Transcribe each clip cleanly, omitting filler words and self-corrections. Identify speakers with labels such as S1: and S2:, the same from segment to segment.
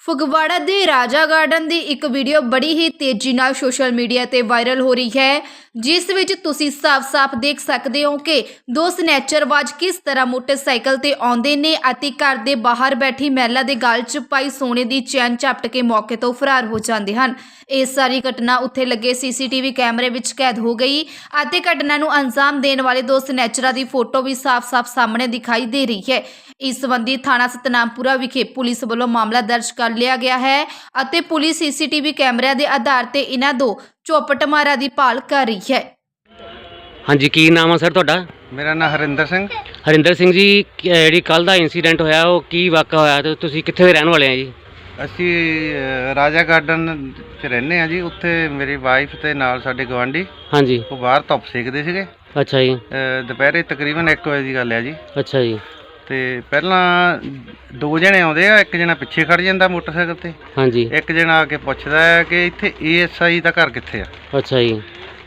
S1: ਫਗਵਾੜਾ ਦੇ ਰਾਜਾ ਗਾਰਡਨ ਦੀ ਇੱਕ ਵੀਡੀਓ ਬੜੀ ਹੀ ਤੇਜ਼ੀ ਨਾਲ ਸੋਸ਼ਲ ਮੀਡੀਆ ਤੇ ਵਾਇਰਲ ਹੋ ਰਹੀ ਹੈ, ਜਿਸ ਵਿੱਚ ਤੁਸੀਂ ਸਾਫ਼-ਸਾਫ਼ ਦੇਖ ਸਕਦੇ ਹੋ ਕਿ ਦੋ ਸਨੈਚਰਬਾਜ਼ ਕਿਸ ਤਰ੍ਹਾਂ ਮੋਟਰਸਾਈਕਲ ਤੇ ਆਉਂਦੇ ਨੇ ਅਤੇ ਘਰ ਦੇ ਬਾਹਰ ਬੈਠੀ ਮਹਿਲਾ ਦੇ ਗਲ 'ਚ ਪਾਈ ਸੋਨੇ ਦੀ ਚੈਨ ਝਪਟ ਕੇ ਮੌਕੇ ਤੋਂ ਫਰਾਰ ਹੋ ਜਾਂਦੇ ਹਨ। ਇਹ ਸਾਰੀ ਘਟਨਾ ਉੱਥੇ ਲੱਗੇ ਸੀਸੀਟੀਵੀ ਕੈਮਰੇ ਵਿੱਚ ਕੈਦ ਹੋ ਗਈ ਅਤੇ ਘਟਨਾ ਨੂੰ ਅੰਜਾਮ ਦੇਣ ਵਾਲੇ ਦੋ ਸਨੈਚਰਾਂ ਦੀ ਫੋਟੋ ਵੀ ਸਾਫ਼-ਸਾਫ਼ ਸਾਹਮਣੇ ਦਿਖਾਈ ਦੇ ਰਹੀ ਹੈ। ਇਸ ਸੰਬੰਧੀ ਥਾਣਾ ਸਤਨਾਮਪੁਰਾ ਵਿਖੇ ਪੁਲਿਸ ਵੱਲੋਂ ਮਾਮਲਾ ਦਰਜ ਕਰ ਲਿਆ ਗਿਆ ਹੈ ਅਤੇ ਪੁਲਿਸ ਸੀਸੀਟੀਵੀ ਕੈਮਰਿਆਂ ਦੇ ਆਧਾਰ ਤੇ ਇਹਨਾਂ ਦੋ ਚੌਪਟਮਾਰਾਂ ਦੀ ਭਾਲ ਕਰ ਰਹੀ ਹੈ।
S2: ਹਾਂਜੀ, ਕੀ ਨਾਮ ਆ ਸਰ ਤੁਹਾਡਾ?
S3: ਮੇਰਾ ਨਾਮ ਹਰਿੰਦਰ ਸਿੰਘ।
S2: ਹਰਿੰਦਰ ਸਿੰਘ ਜੀ, ਜਿਹੜੀ ਕੱਲ ਦਾ ਇਨਸੀਡੈਂਟ ਹੋਇਆ ਉਹ ਕੀ ਵਾਕਾ ਹੋਇਆ ਤੇ ਤੁਸੀਂ ਕਿੱਥੇ ਦੇ ਰਹਿਣ ਵਾਲੇ ਆ ਜੀ?
S3: ਅਸੀਂ ਰਾਜਾ ਗਾਰਡਨ 'ਚ ਰਹਿੰਦੇ ਹਾਂ ਜੀ। ਉੱਥੇ ਮੇਰੀ ਵਾਈਫ ਤੇ ਨਾਲ ਸਾਡੇ ਗਵਾਂਢੀ
S2: ਹਾਂਜੀ।
S3: ਉਹ ਬਾਹਰ ਧੁੱਪ ਸੇਕਦੇ ਸੀਗੇ।
S2: ਅੱਛਾ ਜੀ।
S3: ਦੁਪਹਿਰੇ ਤਕਰੀਬਨ 1 ਵਜੇ ਦੀ ਗੱਲ ਹੈ ਜੀ।
S2: ਅੱਛਾ ਜੀ।
S3: ਤੇ ਪਹਿਲਾਂ ਦੋ ਜਣੇ ਆਉਂਦੇ ਆ, ਇੱਕ ਜਣਾ ਪਿੱਛੇ ਖੜ ਜਾਂਦਾ ਮੋਟਰਸਾਈਕਲ ਤੇ,
S2: ਹਾਂਜੀ।
S3: ਇੱਕ ਜਣਾ ਆ ਕੇ ਪੁੱਛਦਾ ਹੈ ਕਿ ਇੱਥੇ ASI ਦਾ ਘਰ ਕਿੱਥੇ ਆ।
S2: ਅੱਛਾ ਜੀ।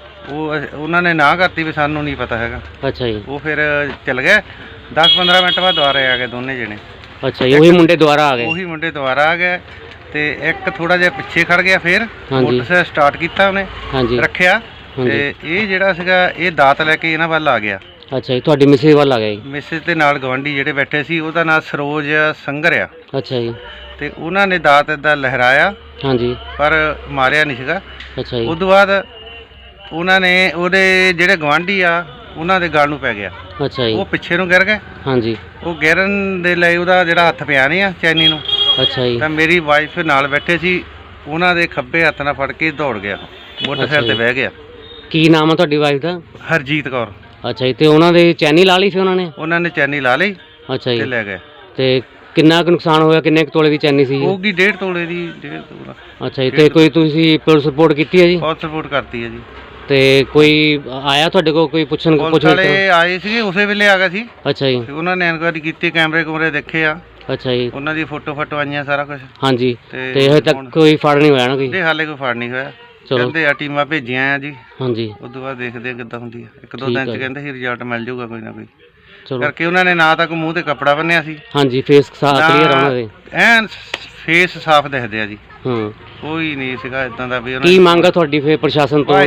S3: ਉਹਨਾਂ ਨੇ ਨਾ ਕਰਤੀ ਵੀ ਸਾਨੂੰ ਨਹੀਂ ਪਤਾ ਹੈਗਾ।
S2: ਅੱਛਾ ਜੀ।
S3: ਉਹ ਫਿਰ ਚੱਲ ਗਏ। 10-15 ਮਿੰਟ ਬਾਅਦ ਦੁਬਾਰਾ ਆ ਗਏ ਦੋਨੇ ਜਣੇ।
S2: ਅੱਛਾ ਜੀ, ਉਹੀ ਮੁੰਡੇ ਦੁਬਾਰਾ ਆ ਗਏ?
S3: ਉਹੀ ਮੁੰਡੇ ਦੁਬਾਰਾ ਆ ਗਏ ਤੇ ਇੱਕ ਥੋੜਾ ਜਿਹਾ ਪਿੱਛੇ ਖੜ ਗਿਆ। ਫਿਰ ਮੋਟਰਸਾਈਕਲ ਸਟਾਰਟ ਕੀਤਾ ਉਹਨੇ,
S2: ਹਾਂਜੀ,
S3: ਰੱਖਿਆ ਤੇ ਇਹ ਜਿਹੜਾ ਸੀਗਾ ਇਹ ਦਾਤ ਲੈ ਕੇ ਇਹਨਾਂ ਵੱਲ ਆ ਗਿਆ।
S2: ਅੱਛਾ ਜੀ, ਤੁਹਾਡੀ ਮਿਸਿਸ ਵੱਲ ਆ ਗਿਆ ਜੀ?
S3: ਮਿਸਿਸ ਦੇ ਨਾਲ ਗਵਾਂਢੀ ਜਿਹੜੇ ਬੈਠੇ ਸੀ, ਉਹਦਾ ਨਾਮ ਸਰੋਜ ਸੰਗਰ ਆ।
S2: ਅੱਛਾ ਜੀ।
S3: ਤੇ ਉਹਨਾਂ ਨੇ ਦਾਤ ਇੱਦਾਂ ਲਹਿਰਾਇਆ, ਹਾਂਜੀ, ਪਰ ਮਾਰਿਆ ਨਹੀਂ ਸੀਗਾ।
S2: ਅੱਛਾ ਜੀ। ਉਸ
S3: ਤੋਂ ਬਾਅਦ ਉਹਨਾਂ ਨੇ ਉਹਦੇ ਜਿਹੜੇ ਗਵਾਂਢੀ ਆ ਉਹਨਾਂ ਦੇ ਗਲ ਨੂੰ ਪੈ ਗਿਆ।
S2: ਅੱਛਾ ਜੀ।
S3: ਉਹ ਪਿੱਛੇ ਨੂੰ ਗਿਰ ਗਏ। ਹਾਂਜੀ। ਉਹ ਗਿਰਨ ਦੇ ਲਈ ਉਹਦਾ ਜਿਹੜਾ ਹੱਥ ਪਿਆ ਨਹੀਂ ਆ ਚੈਨੀ ਨੂੰ। ਅੱਛਾ ਜੀ। ਤਾਂ ਮੇਰੀ ਵਾਈਫ ਨਾਲ ਬੈਠੇ ਸੀ, ਉਹਨਾਂ ਦੇ ਖੱਬੇ ਹੱਥ ਨਾਲ ਫੜ ਕੇ ਦੌੜ ਗਿਆ, ਮੋਟਰਸਾਈਕਲ ਤੇ ਬਹਿ ਗਿਆ।
S2: ਕੀ ਨਾਮ ਆ ਤੁਹਾਡੀ ਵਾਈਫ ਦਾ?
S3: ਹਰਜੀਤ ਕੌਰ। ਅੱਛਾ ਜੀ।
S2: ਤੇ ਉਹਨਾਂ ਦੇ ਚੈਨੀ ਲਾ ਲਈ ਸੀ ਉਹਨਾਂ ਨੇ?
S3: ਉਹਨਾਂ ਨੇ ਚੈਨੀ ਲਾ ਲਈ। ਅੱਛਾ ਜੀ। ਤੇ ਲੈ ਗਏ। ਤੇ
S2: ਕਿੰਨਾ ਕੁ ਨੁਕਸਾਨ ਹੋਇਆ? ਕਿੰਨੇ ਕੁ ਤੋਲੇ ਦੀ ਚੈਨੀ ਸੀ?
S3: ਹੋਊਗੀ 1.5 ਤੋਲੇ ਦੀ। 1.5 ਤੋਲਾ।
S2: ਅੱਛਾ ਜੀ। ਤੇ ਕੋਈ ਤੁਸੀਂ ਪੁਲਿਸ ਰਿਪੋਰਟ ਕੀਤੀ ਹੈ ਜੀ?
S3: ਪੁਲਿਸ ਰਿਪੋਰਟ ਕਰਤੀ ਹੈ ਜੀ। ਤੇ
S2: ਕੋਈ ਆਇਆ ਤੁਹਾਡੇ ਕੋਲ? ਕੋਈ ਪੁੱਛਣ
S3: ਵਾਲੇ ਆਏ ਸੀਗੇ, ਉਸੇ ਵੇਲੇ ਆ ਗਏ ਸੀ।
S2: ਅੱਛਾ ਜੀ।
S3: ਉਹਨਾਂ ਨੇ ਇਨਕੁਆਇਰੀ ਕੀਤੀ, ਕੈਮਰੇ ਕੁਮਰੇ ਦੇਖੇ ਆ।
S2: ਅੱਛਾ ਜੀ।
S3: ਉਹਨਾਂ ਦੀ ਫੋਟੋ ਆਈਆਂ, ਸਾਰਾ ਕੁਝ। ਹਾਂਜੀ। ਤੇ
S2: ਹਜੇ ਤੱਕ ਕੋਈ ਫੜ ਨਹੀਂ ਹੋਇਆ ਨਾ? ਕੋਈ
S3: ਹਾਲੇ ਕੋਈ ਫੜ ਨਹੀਂ ਹੋਇਆ। ਕਹਿੰਦੇ ਆ ਟੀਮਾਂ ਭੇਜੀਆਂ ਆ ਜੀ। ਹਾਂਜੀ। ਉਸ ਤੋਂ ਬਾਅਦ ਦੇਖਦੇ ਆ ਕਿੱਦਾਂ ਹੁੰਦੀ ਆ। 1-2 ਦਿਨ ਚ ਕਹਿੰਦੇ ਸੀ ਰਿਜ਼ਲਟ ਮਿਲ ਜਾਊਗਾ ਕੋਈ ਨਾ ਕੋਈ। ਕਰਕੇ ਉਹਨਾਂ ਨੇ ਨਾ ਤਾਂ ਕੋਈ ਮੂੰਹ ਤੇ ਕੱਪੜਾ ਬੰਨਿਆ ਸੀ। ਹਾਂਜੀ। ਫੇਸ ਕਲੀਅਰ ਉਹਨਾਂ ਦੇ ਐਨ ਫੇਸ ਸਾਫ਼ ਦਿਖਦੇ ਆ ਜੀ। ਕੋਈ ਨਹੀਂ ਸੀਗਾ ਇਦਾਂ ਦਾ ਵੀ।
S2: ਕੀ ਮੰਗ ਆ ਤੁਹਾਡੀ ਫੇਰ ਪ੍ਰਸ਼ਾਸਨ ਤੋਂ?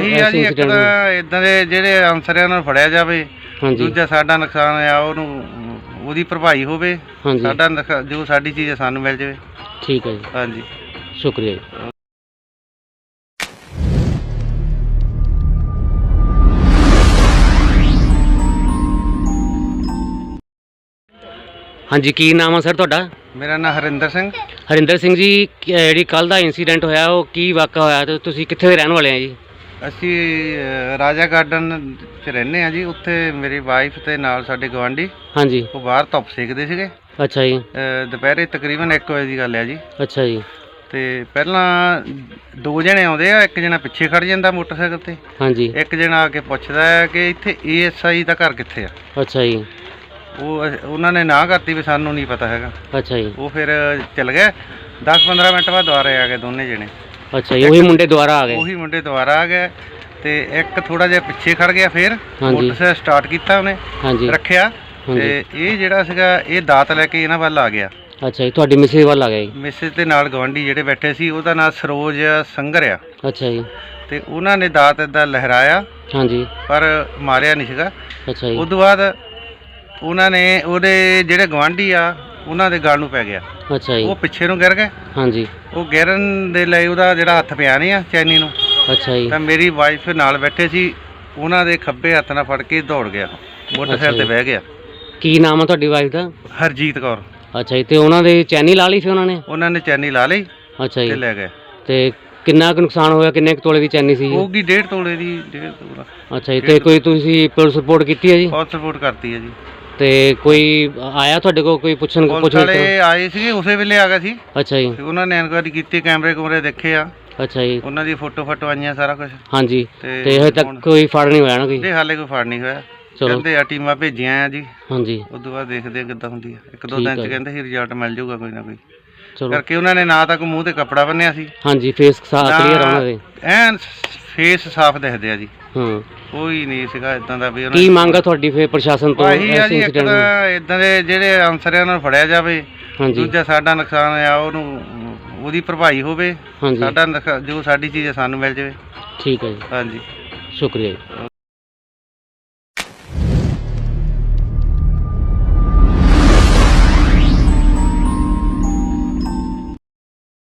S3: ਇਦਾਂ ਦੇ ਜਿਹੜੇ ਅਨਸਰਾਂ ਨੂੰ ਫੜਿਆ ਜਾਵੇ। ਦੂਜਾ ਸਾਡਾ ਨੁਕਸਾਨ ਆ ਉਹਦੀ ਭਰਪਾਈ ਹੋਵੇ। ਸਾਡਾ ਜੋ ਸਾਡੀ ਚੀਜ਼ ਸਾਨੂੰ ਮਿਲ ਜਾਵੇ।
S2: ਠੀਕ ਹੈ ਜੀ।
S3: ਹਾਂਜੀ,
S2: ਸ਼ੁਕਰੀਆ ਜੀ। ਹਾਂਜੀ, ਕੀ ਨਾਮ ਆ ਸਰ ਤੁਹਾਡਾ?
S3: ਮੇਰਾ ਨਾਮ ਹਰਿੰਦਰ ਸਿੰਘ।
S2: ਹਰਿੰਦਰ ਸਿੰਘ ਜੀ, ਜਿਹੜੀ ਕੱਲ ਦਾ ਇਨਸੀਡੈਂਟ ਹੋਇਆ ਉਹ ਕੀ ਵਾਕਾ ਹੋਇਆ ਤੇ ਤੁਸੀਂ ਕਿੱਥੇ ਦੇ ਰਹਿਣ ਵਾਲੇ ਆ ਜੀ?
S3: ਅਸੀਂ ਰਾਜਾ ਗਾਰਡਨ 'ਚ ਰਹਿੰਦੇ ਹਾਂ ਜੀ। ਉੱਥੇ ਮੇਰੀ ਵਾਈਫ ਤੇ ਨਾਲ ਸਾਡੇ ਗਵਾਂਢੀ, ਹਾਂਜੀ, ਉਹ ਬਾਹਰ ਧੁੱਪ ਸੇਕਦੇ ਸੀਗੇ। ਅੱਛਾ ਜੀ। ਦੁਪਹਿਰੇ ਤਕਰੀਬਨ 1 ਵਜੇ ਦੀ ਗੱਲ ਹੈ ਜੀ। ਅੱਛਾ ਜੀ। ਤੇ ਪਹਿਲਾਂ ਦੋ ਜਣੇ ਆਉਂਦੇ ਆ, ਇੱਕ ਜਣਾ ਪਿੱਛੇ ਖੜ ਜਾਂਦਾ ਮੋਟਰਸਾਈਕਲ ਤੇ, ਹਾਂਜੀ, ਇੱਕ ਜਣਾ ਆ ਕੇ ਪੁੱਛਦਾ ਹੈ ਕਿ ਇੱਥੇ ASI ਦਾ ਘਰ ਕਿੱਥੇ ਆ। ਅੱਛਾ ਜੀ। ਉਹਨਾਂ ਨੇ ਨਾ ਕਰਤੀ ਵੀ ਸਾਨੂੰ ਨਹੀਂ ਪਤਾ ਹੈਗਾ। ਅੱਛਾ ਜੀ। ਉਹ ਫਿਰ ਚੱਲ ਗਏ। 10-15 ਮਿੰਟ ਬਾਅਦ ਦੁਬਾਰਾ ਆ ਗਏ ਦੋਨੇ ਜਣੇ। ਅੱਛਾ ਜੀ। ਉਹੀ ਮੁੰਡੇ ਦੁਬਾਰਾ ਆ ਗਏ? ਉਹੀ ਮੁੰਡੇ ਦੁਬਾਰਾ ਆ ਗਏ ਤੇ ਇੱਕ ਥੋੜਾ ਜਿਹਾ ਪਿੱਛੇ ਖੜ ਗਿਆ। ਫਿਰ ਮੋਟਰਸਾਈਕਲ ਸਟਾਰਟ ਕੀਤਾ ਉਹਨੇ, ਹਾਂਜੀ, ਰੱਖਿਆ ਤੇ ਇਹ ਜਿਹੜਾ ਸੀਗਾ ਇਹ ਦਾਤ ਲੈ ਕੇ ਇਹਨਾਂ ਵੱਲ ਆ ਗਿਆ। ਅੱਛਾ ਜੀ। ਤੁਹਾਡੀ ਮਿਸਿਸ ਵੱਲ ਆ ਗਿਆ ਜੀ? ਮਿਸਿਸ ਦੇ ਨਾਲ ਗਵਾਂਢੀ ਜਿਹੜੇ ਬੈਠੇ ਸੀ, ਉਹਦਾ ਨਾਮ ਸਰੋਜ ਸੰਗਰ ਆ। ਅੱਛਾ ਜੀ। ਤੇ ਉਹਨਾਂ ਨੇ ਦਾਤ ਇੱਦਾਂ ਲਹਿਰਾਇਆ, ਹਾਂਜੀ, ਪਰ ਮਾਰਿਆ ਨਹੀਂ ਸੀਗਾ। ਅੱਛਾ ਜੀ। ਉਸ ਤੋਂ ਬਾਅਦ ਉਹਨਾਂ ਨੇ ਉਹਦੇ ਜਿਹੜੇ ਗਵਾਂਢੀ ਆ ਉਹਨਾਂ ਦੇ ਗਲ ਨੂੰ ਪੈ ਗਿਆ। ਅੱਛਾ ਜੀ। ਉਹ ਪਿੱਛੇ ਨੂੰ ਗਿਰ ਗਏ। ਹਾਂਜੀ। ਉਹ ਗਿਰਨ ਦੇ ਲਈ ਉਹਦਾ ਜਿਹੜਾ ਹੱਥ ਪਿਆ ਨਹੀਂ ਆ ਚੈਨੀ ਨੂੰ। ਅੱਛਾ ਜੀ। ਤਾਂ ਮੇਰੀ ਵਾਈਫ ਨਾਲ ਬੈਠੇ ਸੀ, ਉਹਨਾਂ ਦੇ ਖੱਬੇ ਹੱਥ ਨਾਲ ਫੜ ਕੇ ਦੌੜ ਗਿਆ, ਮੋਟਰਸਾਈਕਲ ਤੇ ਬਹਿ ਗਿਆ। ਕੀ ਨਾਮ ਆ ਤੁਹਾਡੀ ਵਾਈਫ ਦਾ? ਹਰਜੀਤ ਕੌਰ। ਅੱਛਾ ਜੀ। ਤੇ ਉਹਨਾਂ ਦੇ ਚੈਨੀ ਲਾ ਲਈ ਸੀ ਉਹਨਾਂ ਨੇ? ਉਹਨਾਂ ਨੇ ਚੈਨੀ ਲਾ ਲਈ। ਅੱਛਾ ਜੀ। ਤੇ ਲੈ ਗਏ। ਤੇ ਕਿੰਨਾ ਕੁ ਨੁਕਸਾਨ ਹੋਇਆ? ਕਿੰਨੇ ਕੁ ਤੋਲੇ ਦੀ ਚੈਨੀ ਸੀ? ਹੋਊਗੀ 1.5 ਤੋਲੇ ਦੀ। 1.5 ਤੋਲਾ। ਅੱਛਾ ਜੀ। ਤੇ ਕੋਈ ਤੁਸੀਂ ਪੁਲਿਸ ਰਿਪੋਰਟ ਕੀਤੀ ਹੈ ਜੀ? ਪੁਲਿਸ ਰਿਪੋਰਟ ਕਰਤੀ ਹੈ ਜੀ। ਤੇ ਕੋਈ ਆਇਆ ਤੁਹਾਡੇ ਕੋਲ? ਕੋਈ ਪੁੱਛਣ ਵਾਲੇ ਆਏ ਸੀਗੇ, ਉਸੇ ਵੇਲੇ ਆ ਗਏ ਸੀ। ਅੱਛਾ ਜੀ। ਉਹਨਾਂ ਨੇ ਇਨਕੁਆਇਰੀ ਕੀਤੀ, ਕੈਮਰੇ ਕੁਮਰੇ ਦੇਖੇ ਆ। ਅੱਛਾ ਜੀ। ਉਹਨਾਂ ਦੀ ਫੋਟੋ ਆਈਆਂ, ਸਾਰਾ ਕੁਝ। ਹਾਂਜੀ। ਤੇ ਹਜੇ ਤੱਕ ਕੋਈ ਫੜ ਨਹੀਂ ਹੋਇਆ ਨਾ? ਕੋਈ ਹਾਲੇ ਕੋਈ ਫੜ ਨਹੀਂ ਹੋਇਆ। ਕਹਿੰਦੇ ਆ ਟੀਮਾਂ ਭੇਜੀਆਂ ਆ ਜੀ। ਹਾਂਜੀ। ਉਸ ਤੋਂ ਬਾਅਦ ਦੇਖਦੇ ਆ ਕਿੱਦਾਂ ਹੁੰਦੀ ਆ। 1-2 ਦਿਨ ਚ ਕਹਿੰਦੇ ਸੀ ਰਿਜ਼ਲਟ ਮਿਲ ਜਾਊਗਾ ਕੋਈ ਨਾ ਕੋਈ। ਕਰਕੇ ਉਹਨਾਂ ਨੇ ਨਾ ਤਾਂ ਕੋਈ ਮੂੰਹ ਤੇ ਕੱਪੜਾ ਬੰਨਿਆ ਸੀ। ਹਾਂਜੀ। ਫੇਸ ਕਲੀਅਰ ਉਹਨਾਂ ਦੇ ਐਨ ਫੇਸ ਸਾਫ਼ ਦਿਖਦੇ ਆ ਜੀ। ਕੋਈ ਨਹੀਂ ਸੀਗਾ ਇਦਾਂ ਦਾ ਵੀ। ਕੀ ਮੰਗ ਆ ਤੁਹਾਡੀ ਫੇਰ ਪ੍ਰਸ਼ਾਸਨ ਤੋਂ? ਇਦਾਂ ਦੇ ਜਿਹੜੇ ਅਨਸਰਾਂ ਨੂੰ ਫੜਿਆ ਜਾਵੇ। ਦੂਜਾ ਸਾਡਾ ਨੁਕਸਾਨ ਆ ਉਹਦੀ ਭਰਪਾਈ ਹੋਵੇ,
S2: ਹਾਂਜੀ
S3: ਸਾਡਾ ਜੋ ਸਾਡੀ ਚੀਜ਼ ਹੈ ਸਾਨੂੰ ਮਿਲ ਜਾਵੇ।
S2: ਠੀਕ ਹੈ ਜੀ,
S3: ਹਾਂਜੀ
S2: ਸ਼ੁਕਰੀਆ ਜੀ।